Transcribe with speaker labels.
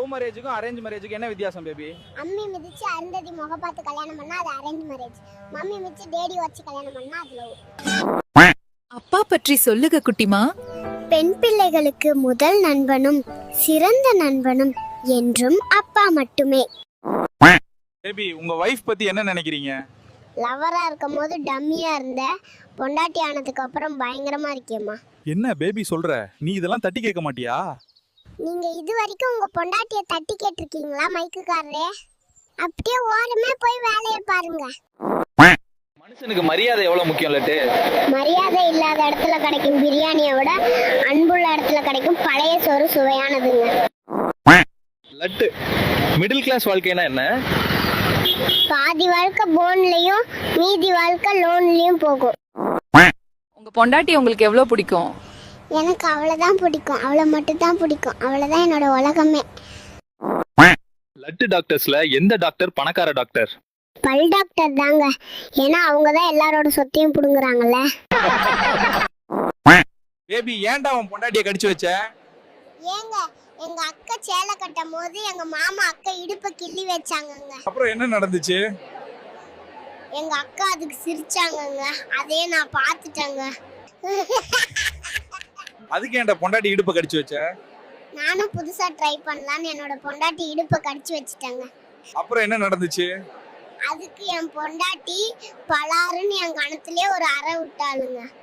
Speaker 1: Love மேரேஜுக்கும் arrange மேரேஜுக்கும் என்ன வித்தியாசம் baby?
Speaker 2: அம்மி மிதிச்சு அருந்ததி முக பார்த்து கல்யாணம் பண்ணா அது அரேஞ்ச் மேரேஜ். மம்மி மிதிச்சு டேடி வச்சு கல்யாணம் பண்ணா அது லவ்.
Speaker 3: அப்பா பற்றி சொல்லுக குட்டிமா.
Speaker 2: பெண் பிள்ளைகளுக்கு முதல் நண்பனும் சிறந்த நண்பனும் என்றும் அப்பா மட்டுமே.
Speaker 1: பேபி உங்க வைஃப் பத்தி என்ன நினைக்கிறீங்க?
Speaker 2: லவரா இருக்கும் போது டம்மியா இருந்த, பொண்டாட்டி ஆனதுக்கு அப்புறம் பயங்கரமா இருக்கேம்மா.
Speaker 1: என்ன பேபி சொல்ற? நீ இதெல்லாம் தட்டி கேட்க மாட்டியா?
Speaker 2: நீங்க இது வரைக்கும் உங்க பொண்டாட்டிய தட்டி கேட்டிருக்கீங்களா மைக்குக்காரரே? அப்படியே ஓரமே போய் வேலையை பாருங்க.
Speaker 1: மனுஷனுக்கு மரியாதை எவ்வளவு முக்கியம் லட்டு?
Speaker 2: மரியாதை இல்லாத இடத்துல கிடைக்கும் பிரியாணியை விட அன்புள்ள இடத்துல கிடைக்கும் பழைய சோறு சுவையானதுங்க.
Speaker 1: லட்டு, மிடில் கிளாஸ் வாழ்க்கைனா என்ன?
Speaker 2: பாதி வாழ்க்கை போன்லயும் மீதி வாழ்க்கை லோன்லயும் போகும்.
Speaker 3: உங்க பொண்டாட்டி உங்களுக்கு எவ்வளவு பிடிக்கும்?
Speaker 2: எனக்கு அவ்வளவுதான் பிடிக்கும், அவளை மட்டும் தான் பிடிக்கும். அவ்வளவுதான் என்னோட உலகமே.
Speaker 1: லட்டு டாக்டர்ஸ்ல எந்த டாக்டர் பணக்கார டாக்டர்?
Speaker 2: பல் டாக்டர் தாங்க. ஏன்னா அவங்கதான் எல்லாரோட சொத்தையும் புடுங்குறாங்கல்ல.
Speaker 1: பேபி ஏன்டா அவன் பொண்டாட்டியை கடிச்சு வச்ச?
Speaker 2: ஏங்க எங்க அக்கா சேலை கட்டும் போது எங்க மாமா அக்கா இடுப்பை கிள்ளி வச்சாங்கங்க.
Speaker 1: அப்புறம் என்ன நடந்துச்சு?
Speaker 2: எங்க அக்கா அதுக்கு சிரிச்சாங்கங்க. அதே நான் பார்த்துட்டேங்க.
Speaker 1: அதுக்கு ஏன்டா பொண்டாட்டி இடுப்பை கடிச்சு வச்ச?
Speaker 2: நானும் புதுசா ட்ரை பண்ணலான்னு என்னோட பொண்டாட்டி இடுப்பை கடிச்சு வச்சுட்டேங்க.
Speaker 1: அப்புறம் என்ன நடந்துச்சு?
Speaker 2: அதுக்கு என் பொண்டாட்டி பலாருன்னு என் கணத்திலே ஒரு அறை விட்டாளுங்க.